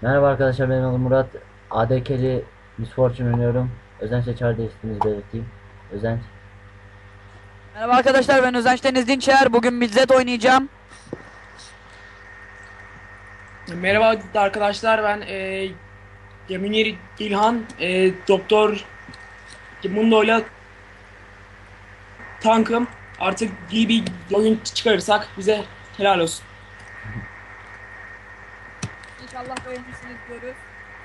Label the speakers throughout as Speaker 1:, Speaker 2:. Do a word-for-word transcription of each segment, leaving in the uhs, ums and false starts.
Speaker 1: Merhaba arkadaşlar, benim adım Murat. A D K'li Miss Fortune oynuyorum. Özenç'le çağrı değiştiğinizi belirteyim. Özenç.
Speaker 2: Merhaba arkadaşlar, ben Özenç Deniz Dinçer. Bugün Midlet oynayacağım.
Speaker 3: Merhaba arkadaşlar, ben e, Münir İlhan, e, Doktor Mundo'yla tankım. Artık iyi bir oyun çıkarırsak bize helal olsun.
Speaker 2: İnşallah beğenirsiniz diyoruz.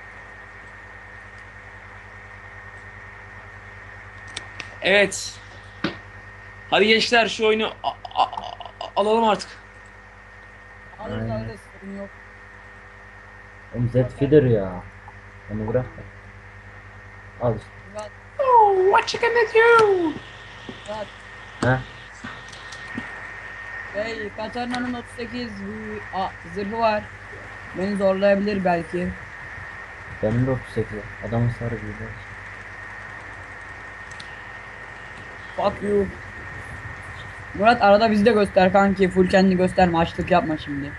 Speaker 3: Evet, hadi gençler şu oyunu a- a- a- alalım artık.
Speaker 2: Alırız
Speaker 1: Aynen.
Speaker 2: alırız, sorun yok.
Speaker 1: Oğlum Z feeder ya. Onu bırak da. Al işte.
Speaker 2: Murat,
Speaker 3: Oh, what you gonna do?
Speaker 2: Murat.
Speaker 1: Heh.
Speaker 2: Hey, Katarina'nın otuz sekiz ıı, a, zırhı var. Beni zorlayabilir belki.
Speaker 1: Benim de otuz sekiz. Adamın sarı gibi.
Speaker 2: Fuck you. Murat, arada bizi de göster kanki. Full kendini gösterme. Açlık yapma şimdi.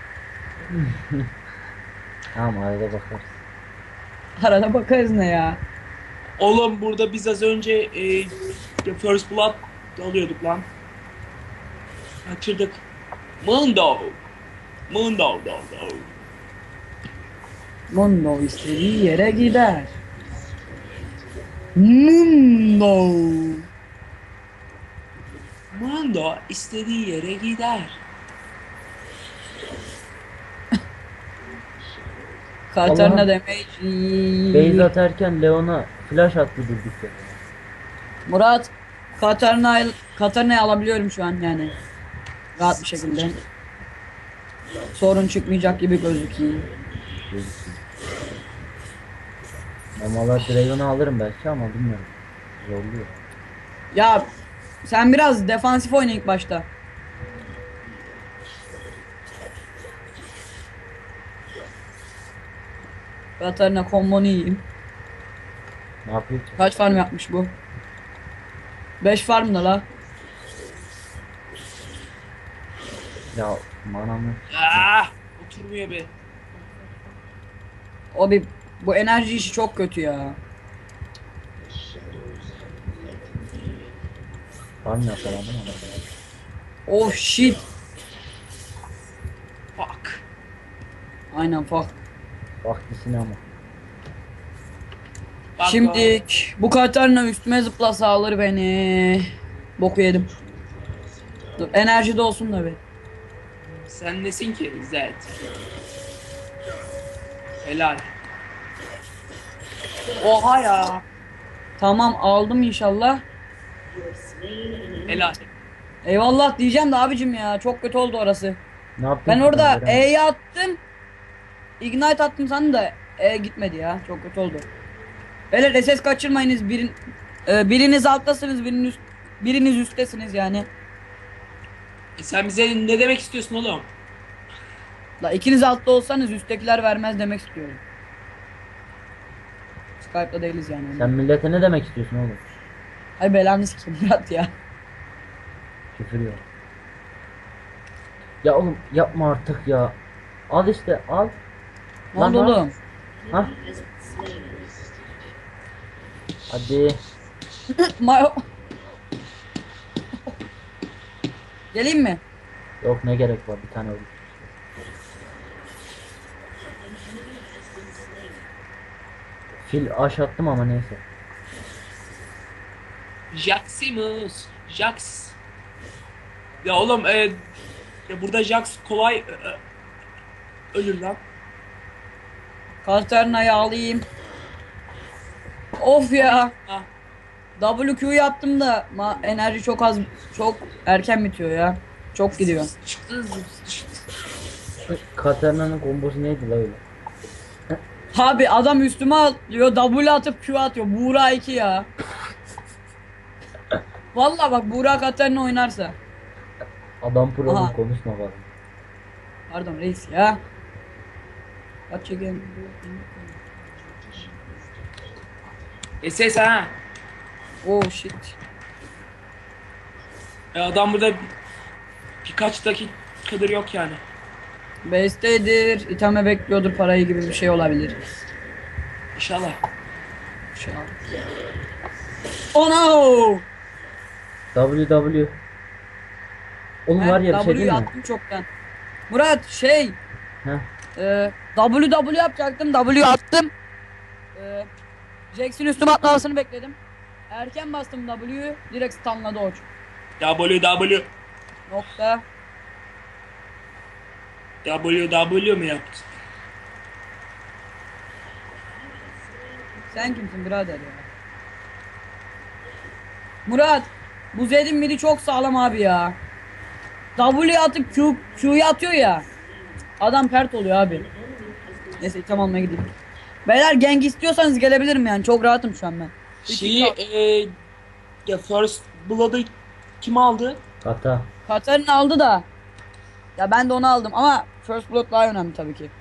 Speaker 1: Tamam, arada bakarız.
Speaker 2: Arada bakarız ne ya.
Speaker 3: Oğlum burada biz az önce e, First Blood alıyorduk lan. Kaçırdık. Mundo. Mundo. Do, do.
Speaker 2: Mundo istediği yere gider. Mundo.
Speaker 3: Mundo istediği yere gider.
Speaker 2: Katarina
Speaker 1: Allah'ım. Base
Speaker 2: damage.
Speaker 1: atarken Leon'a flash attı durduk ya.
Speaker 2: Murat, Katarina Katarina'yı alabiliyorum şu an yani. Rahat bir şekilde. Sorun çıkmayacak gibi gözüküyor.
Speaker 1: Gözüksün. Normalde Draven'ı alırım belki ama bilmiyorum. Zorluyor.
Speaker 2: Ya sen biraz defansif oyna ilk başta. Katarina kombonu yiyeyim.
Speaker 1: Ne yapıyor ki?
Speaker 2: Kaç farm yapmış bu? beş farm da la.
Speaker 1: Ya manam yok.
Speaker 3: Ah, oturmuyor be.
Speaker 2: O bir bu enerji işi çok kötü ya.
Speaker 1: Var mı yakaladım ama.
Speaker 2: Oh shit.
Speaker 3: Fuck.
Speaker 2: Aynen fuck.
Speaker 1: Vakti sinema.
Speaker 3: Bak,
Speaker 2: Şimdi bu Katarina üstüme zıplasa alır beni. Boku yedim. Dur, enerji de olsun da bir.
Speaker 3: sen nesin ki Zed? Helal. Oha ya.
Speaker 2: Tamam aldım inşallah.
Speaker 3: Helal.
Speaker 2: Eyvallah diyeceğim de abicim ya çok kötü oldu orası.
Speaker 1: Ne yaptın
Speaker 2: Ben
Speaker 1: ki ben
Speaker 2: orada
Speaker 1: göremedim.
Speaker 2: E'yi attım. Ignite attım sandım da E gitmedi ya. Çok kötü oldu. Böyle S S kaçırmayınız. Birin, e, biriniz alttasınız, biriniz, biriniz üsttesiniz yani.
Speaker 3: E sen bize ne demek istiyorsun oğlum?
Speaker 2: La ikiniz altta olsanız üsttekiler vermez demek istiyorum. Skype'da değiliz yani.
Speaker 1: Sen millete ne demek istiyorsun oğlum?
Speaker 2: Ay belanı sikeyim Murat ya.
Speaker 1: Küfür yok. Ya oğlum yapma artık ya. Al işte al.
Speaker 2: Ne
Speaker 1: Lan
Speaker 2: oldu
Speaker 1: al.
Speaker 2: oğlum?
Speaker 1: Ha? Hadi.
Speaker 2: Mayo. Geleyim mi?
Speaker 1: Yok, ne gerek var, bir tane olur. Fil aş attım ama neyse.
Speaker 3: Jaximus. Jax. Ya oğlum e, ya burada Jax kolay e, e, ölür lan.
Speaker 2: Katerina'yı alayım. Of ya.
Speaker 3: Ha.
Speaker 2: W Q yaptım da ma enerji çok az, çok erken bitiyor ya. Çok gidiyor.
Speaker 3: Çıktı.
Speaker 1: Katarina'nın kombosu neydi la öyle?
Speaker 2: Abi adam üstüme atlıyor, W atıp Q atıyor. Buğra iki ya. Vallahi bak Buğra Katarina oynarsa.
Speaker 1: Adam pro oğlum,
Speaker 2: Aha.
Speaker 1: konuşma bak.
Speaker 2: Pardon reis ya. Kaç çekelim.
Speaker 3: S S ha.
Speaker 2: Oh shit.
Speaker 3: E, adam burada birkaç dakikadır yok yani.
Speaker 2: Base'tedir. İtame bekliyordur parayı gibi bir şey olabilir.
Speaker 3: İnşallah.
Speaker 2: Şey al. Oh no!
Speaker 1: W W. Oğlum var ya bir şey
Speaker 2: W'yu
Speaker 1: değil mi?
Speaker 2: attım çoktan. Murat şey
Speaker 1: Heh.
Speaker 2: e, W W yapacaktım. W attım. E, Jax'in üstüme atlamasını bekledim. Erken bastım W'yu. Direkt stunladı o.
Speaker 3: W W.
Speaker 2: Nokta.
Speaker 3: W W mu yaptın?
Speaker 2: Sen kimsin birader ya? Murat. Bu Zed'in midi çok sağlam abi ya. W atıp Q, Q'yu atıyor ya. Adam pert oluyor abi. Neyse item almaya gideyim. Beyler gang istiyorsanız gelebilirim yani. Çok rahatım şu an ben.
Speaker 3: Şeyi e, ya First Blood'ı kim aldı?
Speaker 1: Kata.
Speaker 2: Katarina aldı da. Ya ben de onu aldım ama First Blood daha önemli tabii ki.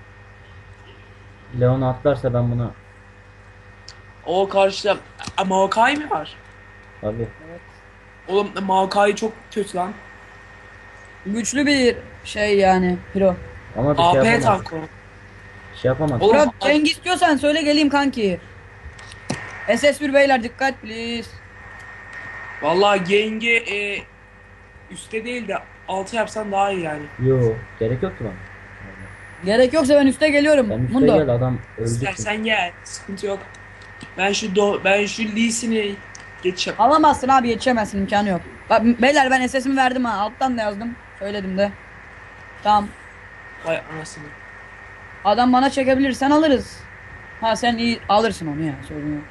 Speaker 1: Leon atlarsa ben buna
Speaker 3: O karşıda A, Maokai mi var?
Speaker 1: tabii.
Speaker 3: Oğlum Maokai çok kötü lan.
Speaker 2: Güçlü bir şey yani hero.
Speaker 1: Ama bir şey
Speaker 3: A P
Speaker 1: yapamaz.
Speaker 3: tank o.
Speaker 1: Bir şey yapamaz.
Speaker 3: Oğlum,
Speaker 2: Murat
Speaker 3: a-
Speaker 2: gang istiyorsan söyle geleyim kanki. S S bir beyler dikkat please.
Speaker 3: Vallahi Geng'i e, üstte değil de altı yapsan daha iyi yani.
Speaker 1: Yo, gerek yok ki bana.
Speaker 2: Gerek yoksa ben üste geliyorum.
Speaker 1: Sen üstte
Speaker 2: Mundo.
Speaker 1: gel, adam öldü. çünkü.
Speaker 3: İstersen gel. Sıkıntı yok. Ben şu do ben şu Lee'sini geçeceğim.
Speaker 2: Alamazsın abi yetişemezsin imkanı yok. Bak beyler ben S S'imi verdim ha alttan da yazdım. Söyledim de. Tamam.
Speaker 3: Vay anasını.
Speaker 2: Adam bana çekebilir sen alırız. Ha sen iyi alırsın onu ya sorun yok.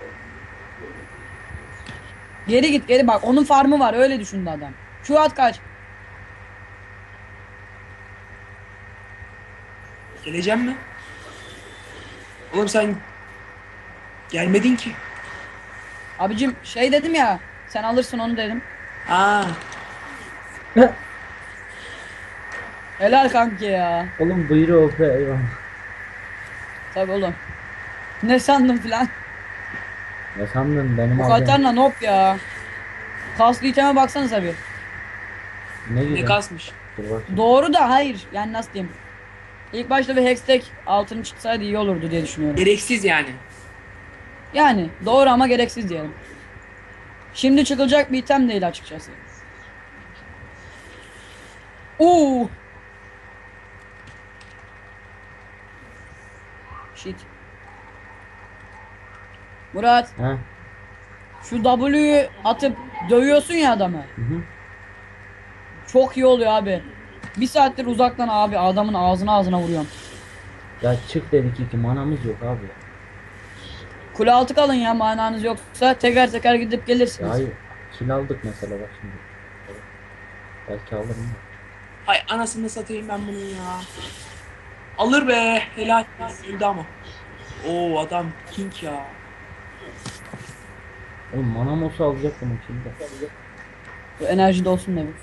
Speaker 2: Geri git geri bak onun farmı var öyle düşündü adam. Şu at kaç.
Speaker 3: Geleceğim mi? Oğlum sen gelmedin ki.
Speaker 2: Abicim şey dedim ya sen alırsın onu dedim.
Speaker 3: Aa,
Speaker 2: Helal kanki ya.
Speaker 1: Oğlum buyruğu O P, eyvallah.
Speaker 2: Tabi oğlum. Ne sandın filan.
Speaker 1: Ne sandın benim
Speaker 2: Bu
Speaker 1: alacağım.
Speaker 2: Katarina nop ya. Kaslı iteme baksanıza bir.
Speaker 1: Ne
Speaker 3: ne
Speaker 1: güzel.
Speaker 3: kasmış.
Speaker 1: Dur bakayım.
Speaker 2: Doğru da hayır. Yani nasıl diyeyim. İlk başta bir hextech altını çıksaydı iyi olurdu diye düşünüyorum.
Speaker 3: Gereksiz yani.
Speaker 2: Yani doğru ama gereksiz diyelim. Şimdi çıkılacak bir item değil açıkçası. Oo. Shit. Murat
Speaker 1: He.
Speaker 2: şu W'yu atıp dövüyorsun ya adamı.
Speaker 1: Hı hı.
Speaker 2: Çok iyi oluyor abi. Bir saattir uzaktan abi adamın ağzına ağzına vuruyorum.
Speaker 1: Ya çık dedik iki manamız yok abi.
Speaker 2: Kule altı kalın ya mananız yoksa teker teker gidip
Speaker 1: Ya
Speaker 2: gelirsiniz.
Speaker 1: hayır. Kill aldık mesela bak şimdi. Belki alırım da.
Speaker 3: Hay anasını satayım ben bunu ya. Alır be. Helal. Öldü ama. Oo adam king ya.
Speaker 1: Oğlum manam olsa alacaktım şimdi.
Speaker 2: Bu enerji de olsun ne bu.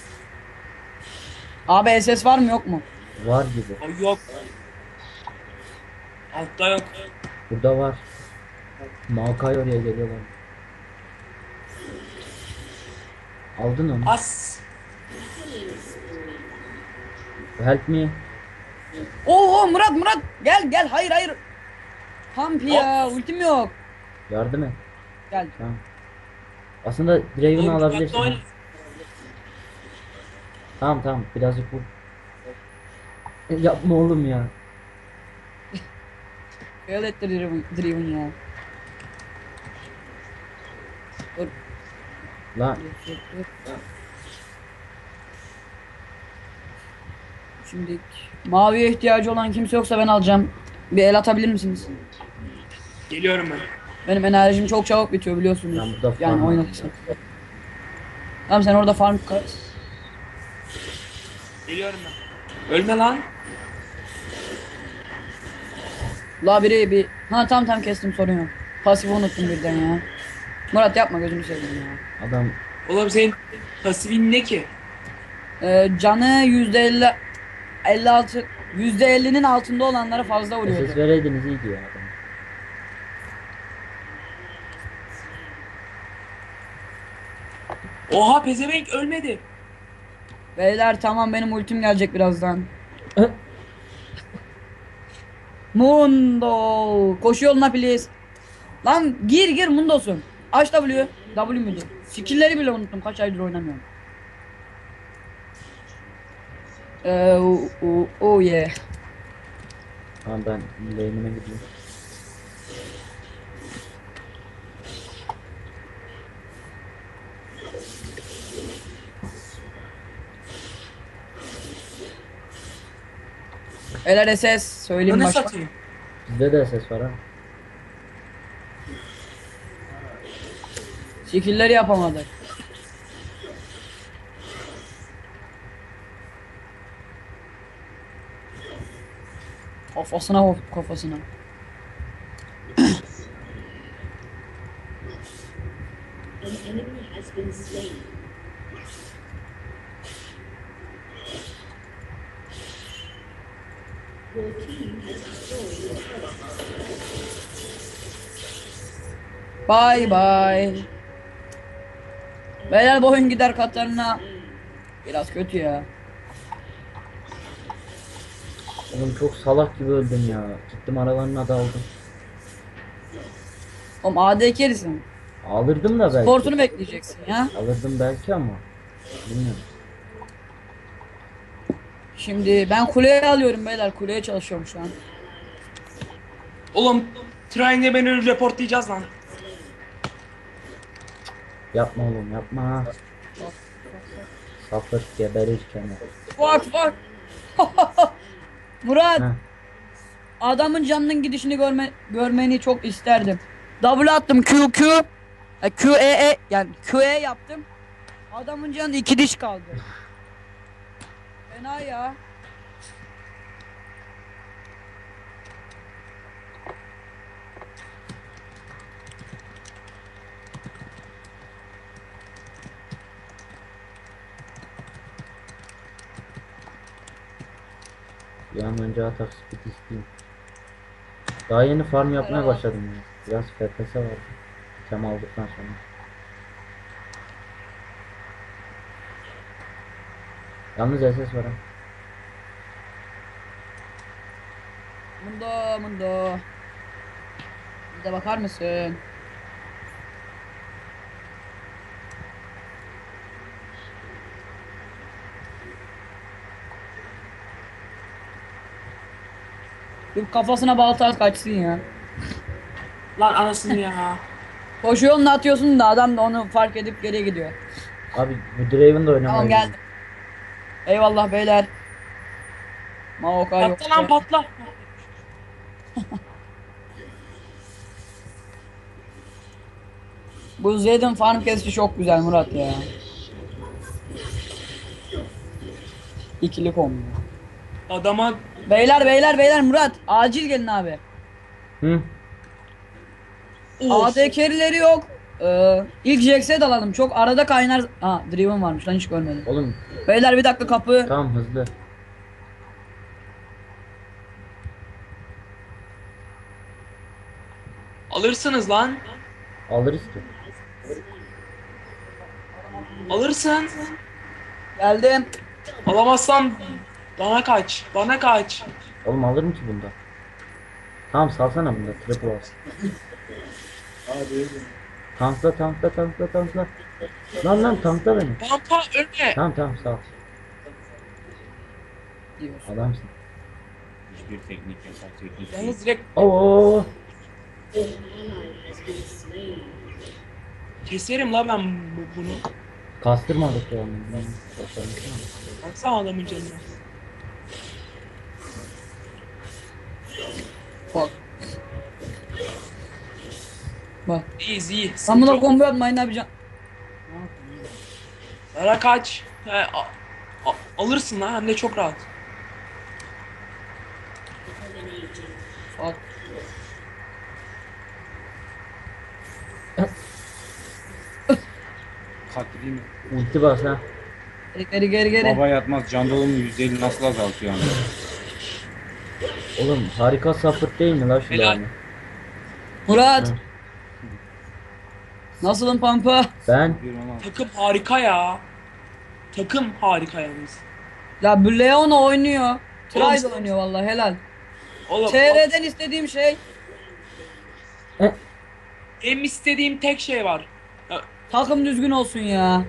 Speaker 2: Abi S S var mı yok mu?
Speaker 1: Var gibi.
Speaker 3: O yok. Altta yok.
Speaker 1: Burada var. Maokai oraya geliyorlar. Aldın onu.
Speaker 3: As.
Speaker 1: Help me.
Speaker 2: Oo oo, Murat Murat gel gel hayır hayır. Pump ya ultim yok.
Speaker 1: Yardım et.
Speaker 2: Gel.
Speaker 1: Tamam. Aslında Draven'ı
Speaker 3: Oğlum,
Speaker 1: alabilirsin.
Speaker 3: dikkatli
Speaker 1: ha.
Speaker 3: oyna.
Speaker 1: Tamam tamam birazcık vur. E, Yapma oğlum ya.
Speaker 2: Fail etti Driven, Driven ya. Dur.
Speaker 1: Lan
Speaker 2: dur, dur, dur. Şimdi maviye ihtiyacı olan kimse yoksa ben alacağım. Bir el atabilir misiniz?
Speaker 3: Geliyorum ben.
Speaker 2: Benim enerjim çok çabuk bitiyor biliyorsunuz.
Speaker 1: Ben burada
Speaker 2: Yani
Speaker 1: farm
Speaker 2: oynatırsan. Tamam sen orada farm kas.
Speaker 3: Geliyorum ben. Ölme lan.
Speaker 2: La biri bir... Ha tamam tamam kestim sorun yok. Pasifi unuttum birden ya. Murat yapma gözünü seveyim ya.
Speaker 1: adam
Speaker 3: Oğlum senin pasifin ne ki?
Speaker 2: Ee, canı yüzde elli elli altı yüzde ellinin altında olanlara fazla vuruyordu.
Speaker 1: ses vereydiniz iyiydi ya adam.
Speaker 3: Oha pezevenk ölmedi.
Speaker 2: Beyler tamam benim ultim gelecek birazdan. Mundo. Koşu yoluna please. Lan gir gir Mundo'sun. Aç W. W müydü? Skill'leri bile unuttum. Kaç aydır oynamıyorum. Eee o o oh yeah.
Speaker 1: Tamam ben lane'ime gideyim.
Speaker 2: L R S S söyleyeyim
Speaker 3: Ne
Speaker 2: başka.
Speaker 3: satayım?
Speaker 1: Bizde de ses var ha.
Speaker 2: Skill'leri yapamadık. Kafasına vur kafasına.
Speaker 4: An enemy has been slain. Your team has destroyed a turret.
Speaker 2: Bye bye. Beyler bu oyun gider Katarina. Biraz kötü ya.
Speaker 1: Oğlum çok salak gibi öldüm ya. Gittim aralarına daldım.
Speaker 2: Oğlum A D carry'sin.
Speaker 1: Alırdım da belki.
Speaker 2: Sportunu bekleyeceksin ya.
Speaker 1: Alırdım belki ama. Bilmiyorum.
Speaker 2: Şimdi ben kuleye alıyorum beyler. Kuleye çalışıyorum şu an.
Speaker 3: Oğlum Train'e beni reportlayacağız lan.
Speaker 1: Yapma oğlum yapma. Sapır geberirken.
Speaker 2: Fuck fuck. Murat.
Speaker 1: Heh.
Speaker 2: Adamın canının gidişini görme, görmeni çok isterdim. W attım Q Q. E, Q E E yani Q E yaptım. Adamın canı iki diş kaldı. Fena ya.
Speaker 1: Bir an önce atak speed isteyeyim. Daha yeni farm yapmaya başladım ya. Biraz F P S vardı. Tem aldıktan sonra. Yalnız S S var ha.
Speaker 2: Mundo mundo. Bir de bakar mısın? Bir kafasına balta at kaçsın ya.
Speaker 3: Lan anasını ya.
Speaker 2: Koşu yolunu atıyorsun da adam da onu fark edip geriye gidiyor.
Speaker 1: Abi bu Draven da oynamayı
Speaker 2: Tamam geldim. Eyvallah beyler. Maoka yok.
Speaker 3: Patla lan patla.
Speaker 2: Bu Zed'in farm kesişi çok güzel Murat ya. İkili kombo.
Speaker 3: Adama
Speaker 2: Beyler beyler beyler Murat acil gelin abi.
Speaker 1: Hı?
Speaker 2: A D carry'leri yok. Ee, ilk Jax'e dalalım. Çok arada kaynar. Ha Driven varmış lan hiç görmedim.
Speaker 1: Oğlum
Speaker 2: Beyler bir dakika kapı.
Speaker 1: tamam hızlı.
Speaker 3: alırsınız lan.
Speaker 1: Alırız ki.
Speaker 3: Alırsın.
Speaker 2: Geldim.
Speaker 3: Alamazsan bana kaç. Bana kaç.
Speaker 1: Oğlum alırım ki bunda. Tamam salsana bunda triple al. Tankla tankla tankla tankla. Lan lan tankla beni.
Speaker 3: Pampa ölme.
Speaker 1: Tamam tamam sağ ol.
Speaker 2: Diyorsun.
Speaker 1: Adamsın.
Speaker 5: Hiçbir teknik yasak teknik değil.
Speaker 3: Yalnız direkt
Speaker 1: Oo.
Speaker 4: An ally has been slain.
Speaker 3: keserim la ben bu- bunu.
Speaker 1: Kastırmadık ya. Başarmışsın
Speaker 3: Baksana adamın canına.
Speaker 2: Bak. Bak.
Speaker 3: İyiyiz iyi.
Speaker 2: Sen buna
Speaker 3: Çok-
Speaker 2: combo yapmayın ne yapacaksın?
Speaker 3: Bana kaç. He, a- a- alırsın lan hem de çok rahat.
Speaker 2: Bak.
Speaker 5: Kalktı değil mi?
Speaker 1: ama. Ulti bas ha.
Speaker 2: Geri geri geri geri.
Speaker 5: Baba yatmaz can dolumu yüzde elli nasıl azaltıyor yani?
Speaker 1: Oğlum harika sapık değil mi la şu
Speaker 3: Helal.
Speaker 1: yani?
Speaker 2: Murat.
Speaker 1: Hı.
Speaker 2: Nasılın pampa?
Speaker 1: Ben
Speaker 5: Bir ona
Speaker 3: Takım harika ya. Takım harika yalnız.
Speaker 2: Ya bu Leon oynuyor. Try de
Speaker 3: Oğlum-
Speaker 2: oynuyor vallahi helal.
Speaker 3: Oğlum
Speaker 2: T R'den istediğim şey
Speaker 3: benim istediğim tek şey var. Ya,
Speaker 2: takım düzgün olsun ya.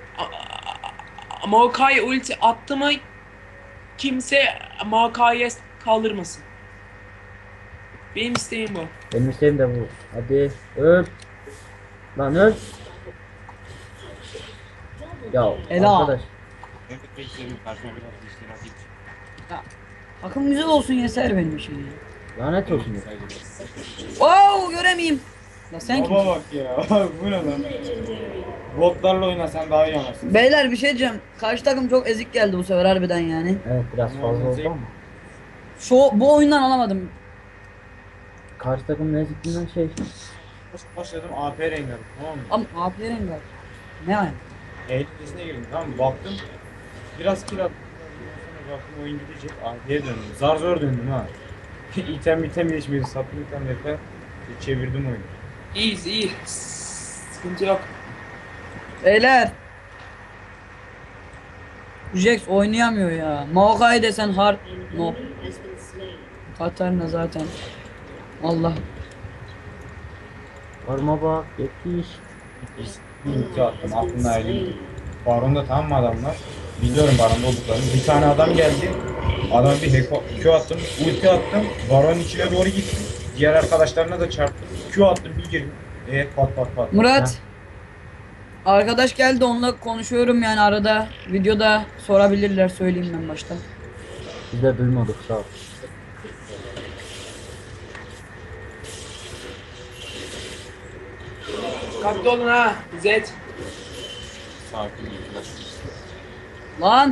Speaker 3: Maokai ulti attı mı kimse Maokai'ye kaldırmasın. Benim isteğim bu.
Speaker 1: Benim isteğim de bu. Hadi öl. Lan öl. Ya
Speaker 2: Ela.
Speaker 1: arkadaş.
Speaker 5: Ben de tek istediğim karşıma biraz dişleri atayım.
Speaker 2: Ya, takım güzel olsun yeter benim için ya.
Speaker 1: Lanet olsun. ya.
Speaker 2: Wow göremeyeyim. La sen
Speaker 5: Baba
Speaker 2: kimsin?
Speaker 5: bak ya. Bu ne lan? Botlarla oynasan daha iyi anasın.
Speaker 2: Beyler bir şey diyeceğim. Karşı takım çok ezik geldi bu sefer harbiden yani.
Speaker 1: Evet biraz fazla oldu ama.
Speaker 2: Şu bu oyundan alamadım.
Speaker 1: Karşı takım ne zikrinden şey.
Speaker 5: Başladım A P rengadım, tamam mı?
Speaker 2: Ama A P rengar. Ne yani?
Speaker 5: Eğlencesine girdim, tamam mı? Baktım. Biraz kill attım. Sonra baktım oyun gidecek. A P'ye döndüm. Zar zor döndüm ha. item item geçmedi. Sattım item yeter. Çevirdim oyunu.
Speaker 3: İyiyiz iyi. Sıkıntı yok.
Speaker 2: Beyler. Jax oynayamıyor ya. Maokai desen hard. No.
Speaker 4: Enemy has been slain.
Speaker 2: Katarina zaten. Allah.
Speaker 1: Arma bak yetiş.
Speaker 5: Bir ulti attım. Aklımda elim. Baron'da tamam mı adamlar? Biliyorum Baron'da olduklarını. Bir tane adam geldi. Adama bir heko, Q attım. Ulti attım. Baron'un içine doğru gittim. Diğer arkadaşlarına da çarptım. Q attım bir girdim. Evet pat pat pat.
Speaker 2: Murat. Arkadaş geldi onunla konuşuyorum yani arada. Videoda sorabilirler söyleyeyim ben başta.
Speaker 1: Biz de duymadık sağ ol.
Speaker 3: Dikkatli olun ha. Zed.
Speaker 5: Sakin ol.
Speaker 2: Lan.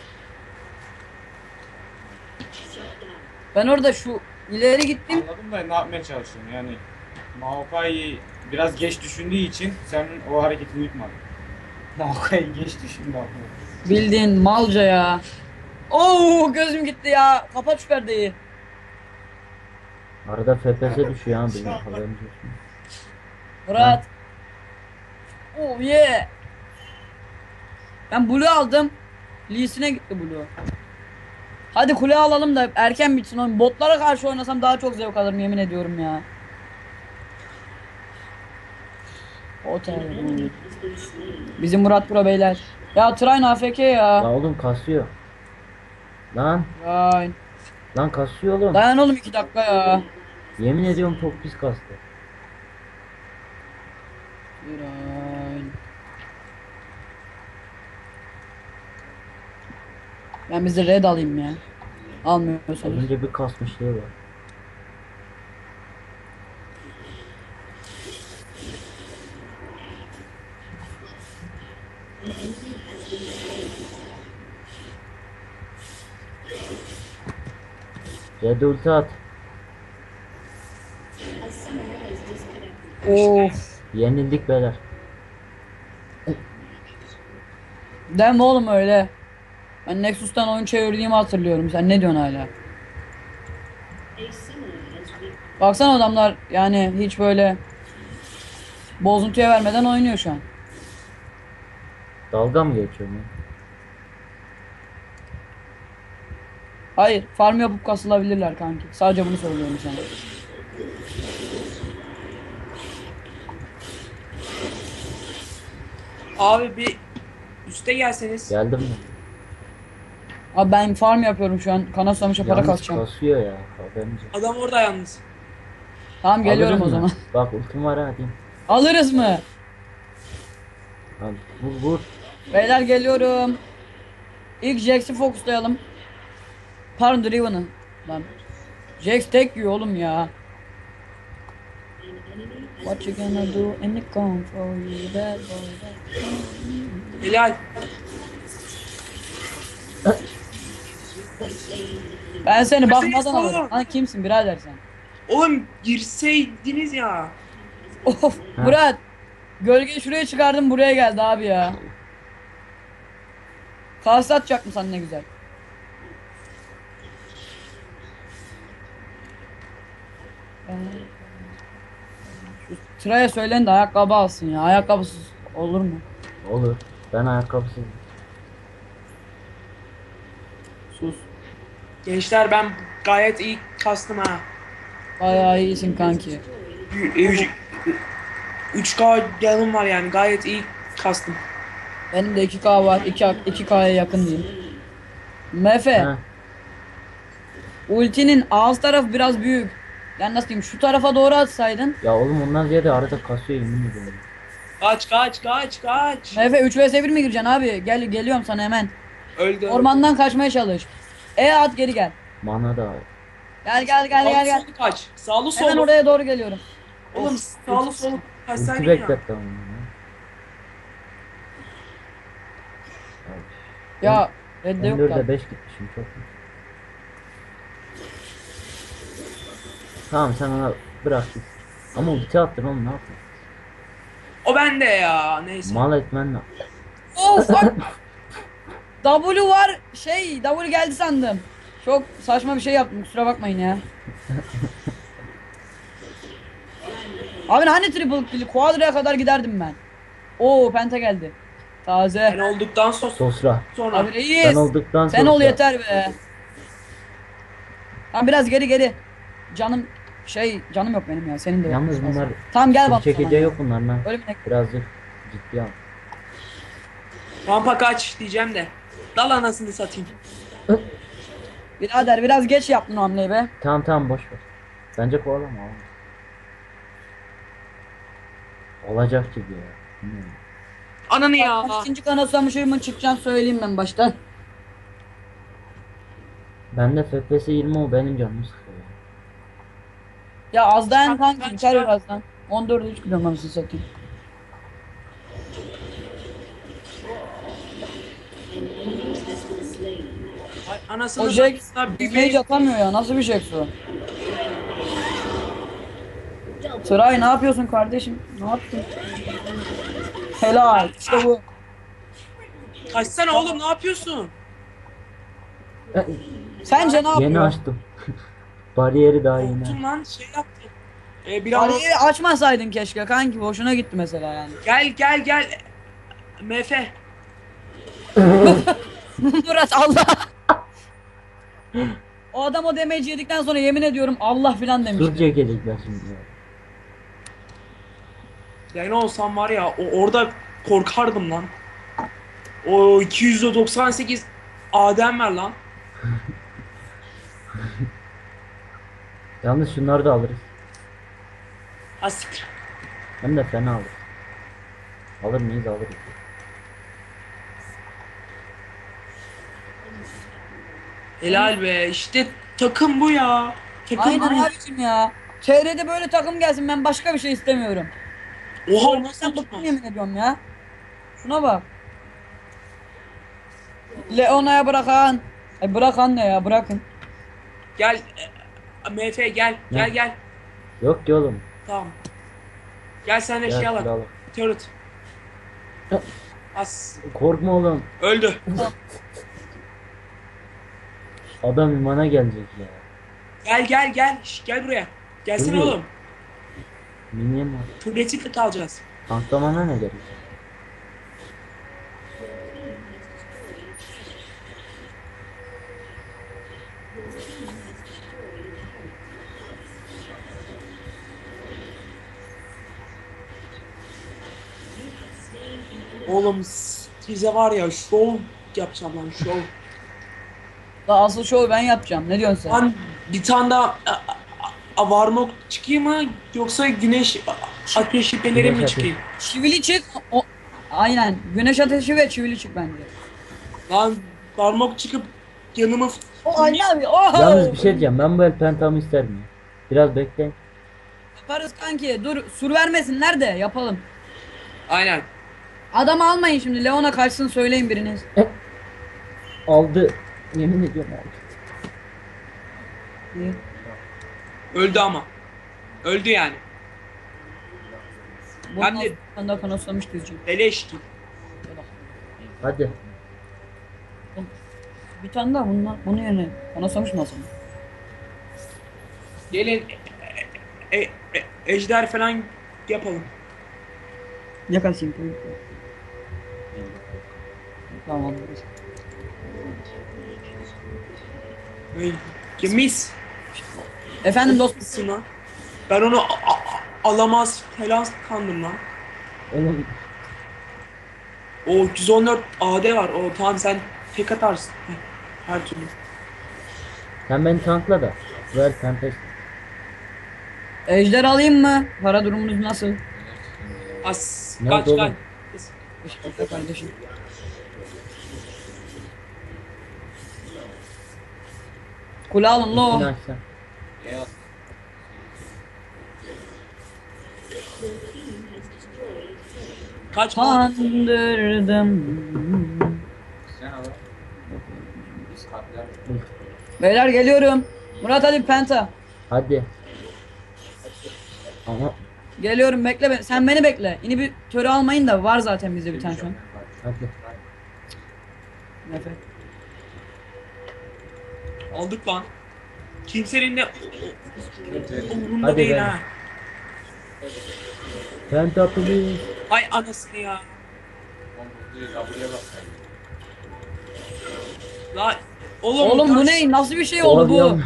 Speaker 2: Ben orada şu ileri gittim.
Speaker 5: Anladım da ne yapmaya çalışıyorum yani. Maokai biraz geç düşündüğü için senin o hareketini yutmadın. Maokai geç düşündü aslında.
Speaker 2: Bildiğin malca ya. Oo gözüm gitti ya. Kapat şu perdeyi.
Speaker 1: Arada F P S düşüyor ha benim haberiniz olsun.
Speaker 2: Murat. Oh yeah. Ben Blue aldım. Lee'sine gitti Blue. Hadi kule alalım da erken bitsin oyun. Botlara karşı oynasam daha çok zevk alırım yemin ediyorum ya. Otel.
Speaker 4: Enemy has been slain.
Speaker 2: Bizim Murat Pro beyler. Ya Train A F K ya.
Speaker 1: La oğlum kasıyor. Lan
Speaker 2: Train.
Speaker 1: lan kasıyor oğlum.
Speaker 2: Dayan oğlum iki dakika ya.
Speaker 1: Yemin ediyorum çok pis kastı.
Speaker 2: Train. Ben bizi red alayım ya.
Speaker 1: Az
Speaker 2: Almıyorsanız.
Speaker 1: önce bir kasmışlığı var. Red ulti at.
Speaker 4: A summoner has disconnected.
Speaker 2: Of.
Speaker 1: Yenildik beyler.
Speaker 2: Deme oğlum öyle. Ben Nexus'tan oyun çevirdiğimi hatırlıyorum. Sen ne diyorsun hala?
Speaker 4: A summoner has been.
Speaker 2: Baksana adamlar yani hiç böyle bozuntuya vermeden oynuyor şu an.
Speaker 1: Dalga mı geçiyorum ya?
Speaker 2: Hayır, farm yapıp kasılabilirler kanki. Sadece bunu söylüyorum sana.
Speaker 3: Abi bir üste gelseniz.
Speaker 1: Geldim mi?
Speaker 2: Abi ben farm yapıyorum şu an. Kana susamışa para
Speaker 1: Yalnız
Speaker 2: kasacağım.
Speaker 1: kasıyor ya. Haberiniz olsun.
Speaker 3: Adam orada yalnız.
Speaker 2: Tamam geliyorum
Speaker 1: Alırız
Speaker 2: o
Speaker 1: mı?
Speaker 2: zaman.
Speaker 1: Bak ultim var ha diyeyim.
Speaker 2: Alırız mı?
Speaker 1: Hadi vur vur.
Speaker 2: Beyler geliyorum. İlk Jax'i fokuslayalım. Pardon Driven'ı. Lan. Jax tek yiyor oğlum ya.
Speaker 4: An enemy has
Speaker 2: What you gonna do in the come for you bad boy.
Speaker 3: Helal.
Speaker 2: Ben seni bakmadan
Speaker 3: Mesele
Speaker 2: alırım.
Speaker 3: sorun.
Speaker 2: Lan kimsin birader sen?
Speaker 3: Oğlum girseydiniz ya.
Speaker 2: Of
Speaker 1: Ha.
Speaker 2: Murat. Gölgeyi şuraya çıkardım buraya geldi abi ya. Kase atacak mı sen ne güzel. Şu Tra'ya söyleyin de ayakkabı alsın ya. Ayakkabısız olur mu?
Speaker 1: Olur. Ben ayakkabısız.
Speaker 2: Sus.
Speaker 3: Gençler ben gayet iyi kastım ha.
Speaker 2: Bayağı iyisin kanki.
Speaker 3: üç K yanım var yani gayet iyi kastım.
Speaker 2: Benim de iki K var. iki, iki K'ya yakın diyeyim. Mefe.
Speaker 1: Ha,
Speaker 2: Ultinin ağız tarafı biraz büyük. Yani nasıl diyeyim, şu tarafa doğru atsaydın.
Speaker 1: ya oğlum ondan ziyade arada kasıyor yemin ediyorum.
Speaker 3: Kaç kaç kaç kaç.
Speaker 2: Mefe üç vs bir mi gireceksin abi? Gel geliyorum sana hemen.
Speaker 3: Öldü.
Speaker 2: Ormandan kaçmaya çalış. E at geri gel.
Speaker 1: Mana da
Speaker 2: Gel gel gel gel
Speaker 3: Sağlı
Speaker 2: gel.
Speaker 3: solu kaç. Sağlı
Speaker 2: Hemen
Speaker 3: solu.
Speaker 2: oraya doğru geliyorum.
Speaker 3: Oğlum sağlı solu
Speaker 1: ulti
Speaker 3: kaçsaydın ya.
Speaker 1: bekletti ama. ya.
Speaker 2: Ya redde
Speaker 1: Ben
Speaker 2: yok
Speaker 1: dörde
Speaker 2: da.
Speaker 1: beş gitmişim çok iyi. Tamam sen ona bırak git. Ama ulti attın oğlum ne yapıyorsun?
Speaker 3: O bende ya. Neyse.
Speaker 1: Mal etmen ne?
Speaker 2: Oh fuck. W var şey W geldi sandım. Çok saçma bir şey yaptım, kusura bakmayın ya. Abi hani triple kill, quadra'ya kadar giderdim ben. Oo penta geldi. Taze.
Speaker 3: Ben olduktan so-
Speaker 1: Sosra.
Speaker 3: sonra.
Speaker 2: Abi reis.
Speaker 1: Ben olduktan
Speaker 2: Sen ol
Speaker 1: sonra-
Speaker 2: yeter be. Tamam biraz geri geri. Canım şey canım yok benim ya, senin de yok.
Speaker 1: Yalnız bunlar
Speaker 2: Tamam gel
Speaker 1: full
Speaker 2: bak.
Speaker 1: çekeceği yok bunların ha.
Speaker 2: Öyle mi?
Speaker 1: Birazcık ciddi al.
Speaker 3: Rampa kaç diyeceğim de. Dal anasını satayım.
Speaker 2: Birader biraz geç yaptın o hamleyi be.
Speaker 1: Tamam tamam boş ver. Bence kovalama oğlum. Olacak gibi ya. Bilmiyorum.
Speaker 3: Ananı ya.
Speaker 2: Bak, ikinci kana susamışımın çıkacağını söyleyeyim ben baştan.
Speaker 1: Ben de F P S yirmi o benim canımı sıkıyor.
Speaker 2: Ya az dayan
Speaker 3: Çıkar,
Speaker 2: kanki,
Speaker 3: çıkar,
Speaker 2: biter
Speaker 3: çıkar.
Speaker 2: birazdan. on dörde üç gidiyorum ben sizi satayım.
Speaker 3: Ay, anasını
Speaker 2: O Jax
Speaker 3: satayım. Bir
Speaker 2: mage atamıyor ya, nasıl bir Jax o? Sıray ne yapıyorsun kardeşim? Ne yaptın? Helal, işte bu.
Speaker 3: Kaçsana oğlum ne yapıyorsun?
Speaker 2: Sence ne
Speaker 1: Yeni
Speaker 2: yapıyor?
Speaker 1: açtım. Bariyeri daha yeni
Speaker 3: Korktum
Speaker 1: açtım.
Speaker 3: lan şey yaptım. Ee, bir an
Speaker 2: Bariyeri açmasaydın keşke kanki, boşuna gitti mesela yani.
Speaker 3: gel gel gel. Mefe.
Speaker 2: Murat Allah. O adam o damage yedikten sonra yemin ediyorum Allah filan demiş.
Speaker 1: Dur çekecekler şimdi ya.
Speaker 3: Yani olsam var ya o, orada korkardım lan. O iki yüz doksan sekiz Adem ver lan.
Speaker 1: Yalnız şunları da alırız.
Speaker 3: Asiktir.
Speaker 1: Hem de fena alırız. Alır mıyız alırız.
Speaker 3: Helal be işte takım bu ya. Takım
Speaker 2: Aynen
Speaker 3: bu.
Speaker 2: abicim ya. T R'de böyle takım gelsin, ben başka bir şey istemiyorum.
Speaker 3: Oha nasıl
Speaker 2: Sen bıktım
Speaker 3: tutmaz?
Speaker 2: yemin ediyorum ya. Şuna bak. Leona'ya bırakan. Ay bırakan ne ya, bırakın.
Speaker 3: Gel e, Mefe gel gel
Speaker 1: Ne?
Speaker 3: gel.
Speaker 1: Yok ki oğlum.
Speaker 3: Tamam. Gel sen de
Speaker 1: Gel
Speaker 3: şey
Speaker 1: şunu
Speaker 3: al.
Speaker 1: al.
Speaker 3: Turret. As.
Speaker 1: Korkma oğlum.
Speaker 3: Öldü.
Speaker 1: Adam imana gelecek ya.
Speaker 3: Gel gel gel. Şş, gel buraya. Gelsene
Speaker 1: Buyur.
Speaker 3: oğlum.
Speaker 1: Minyon var.
Speaker 3: Turret'i kalacağız.
Speaker 1: Tanklamana ne gerek?
Speaker 3: Oğlum size var ya şov yapacağım lan şov.
Speaker 2: Daha asıl şovu ben yapacağım. Ne diyorsun sen?
Speaker 3: Lan bir tane daha a- a- a- varmok çıkayım mı yoksa güneş a- ateşi pelerin
Speaker 1: Güneş
Speaker 3: mi
Speaker 1: ateşi.
Speaker 3: çıkayım?
Speaker 2: Çivili çık. O... Aynen. Güneş ateşi ve çivili çık bence.
Speaker 3: Lan varmok çıkıp yanıma
Speaker 2: O Ali abi. Oh!
Speaker 1: Yalnız bir şey diyeceğim. Ben bu el pentamı isterim ya. Biraz bekleyin.
Speaker 2: Yaparız kanki. Dur sur vermesinler de yapalım.
Speaker 3: Aynen.
Speaker 2: Adamı almayın şimdi. Leon'a kaçsın söyleyin biriniz.
Speaker 1: Aldı. Yemin ediyorum aldı.
Speaker 2: İyi.
Speaker 3: Öldü ama. Öldü yani.
Speaker 2: Bundan
Speaker 3: Ben de-
Speaker 2: sonra da kanoslamış diyeceğim.
Speaker 3: Beleş gibi.
Speaker 1: Hadi.
Speaker 2: Bir tane daha bundan, bunun yerine kanoslamış mı aslında?
Speaker 3: Gelin e- e- e- ejder falan yapalım.
Speaker 2: Yakasın. Tamam.
Speaker 3: Ay, ya mis.
Speaker 2: Efendim dostum.
Speaker 3: Nasılsın lan? Ben onu a- a- alamaz falan kandım lan.
Speaker 1: Oğlum
Speaker 3: O yüz on dört A D var. O tamam sen tek atarsın. Heh, her türlü.
Speaker 1: sen beni tankla da. Ver Tempest.
Speaker 2: Ejder alayım mı? Para durumunuz nasıl?
Speaker 3: As
Speaker 1: Ne
Speaker 3: kaç
Speaker 1: oldu
Speaker 3: kaç.
Speaker 1: oğlum?
Speaker 2: Teşekkürler kardeşim. Kule alın
Speaker 1: İçini
Speaker 2: lo.
Speaker 1: açsan.
Speaker 3: Kaç kaç.
Speaker 2: Kandırdım. Beyler geliyorum. Murat hadi penta.
Speaker 1: Hadi. Ama
Speaker 2: Geliyorum bekle be- sen beni bekle. Yine bir törü almayın da var zaten bizde bir tane şu an.
Speaker 1: hadi.
Speaker 2: Nefret.
Speaker 3: Aldık lan. Kimsenin de umurunda
Speaker 1: Hadi
Speaker 3: değil
Speaker 1: be.
Speaker 3: ha.
Speaker 1: Penta please.
Speaker 3: Ay anasını ya. La oğlum,
Speaker 2: Oğlum bu
Speaker 3: taş-
Speaker 2: ne? Nasıl bir şey oldu bu?
Speaker 1: Oğlum,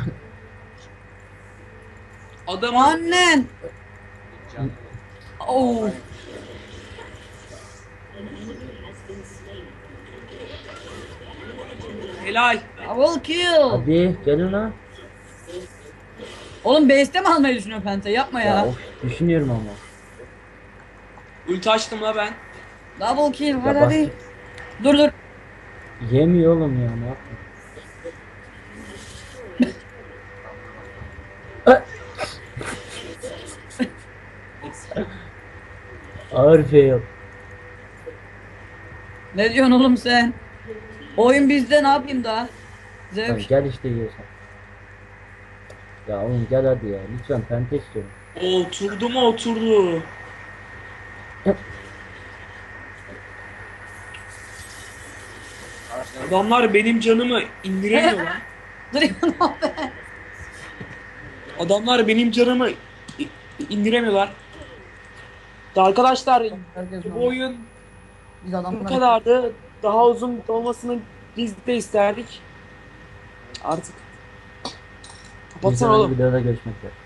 Speaker 3: Adamın
Speaker 2: Annen. Oh.
Speaker 3: helal.
Speaker 2: Double kill.
Speaker 1: hadi gelin lan.
Speaker 2: Oğlum base'te mi almayı düşünüyorsun penta? Yapma
Speaker 1: Ya,
Speaker 2: ya.
Speaker 1: of, düşünüyorum ama.
Speaker 3: Ulti açtım la ben.
Speaker 2: Double kill hadi
Speaker 1: bak.
Speaker 2: hadi. Dur dur.
Speaker 1: Yemiyor oğlum ya ne yapayım. Ağır fail.
Speaker 2: Ne diyorsun oğlum sen? Oyun bizde ne yapayım daha?
Speaker 1: Lan
Speaker 2: Zevk.
Speaker 1: gel işte yiyorsan. Ya oğlum gel hadi ya. Lütfen penta istiyorum.
Speaker 3: Oturdu mu oturdu. Adamlar benim canımı indiremiyor lan.
Speaker 2: Dur ya.
Speaker 3: Adamlar benim canımı i- indiremiyorlar. Arkadaşlar
Speaker 2: Herkes
Speaker 3: bu oyun
Speaker 2: Biz
Speaker 3: bu
Speaker 2: adamlar.
Speaker 3: kadardı. Daha uzun olmasını biz de isterdik. Artık
Speaker 1: Bir
Speaker 3: kapatsana
Speaker 1: sonraki
Speaker 3: oğlum.
Speaker 1: videoda görüşmek üzere.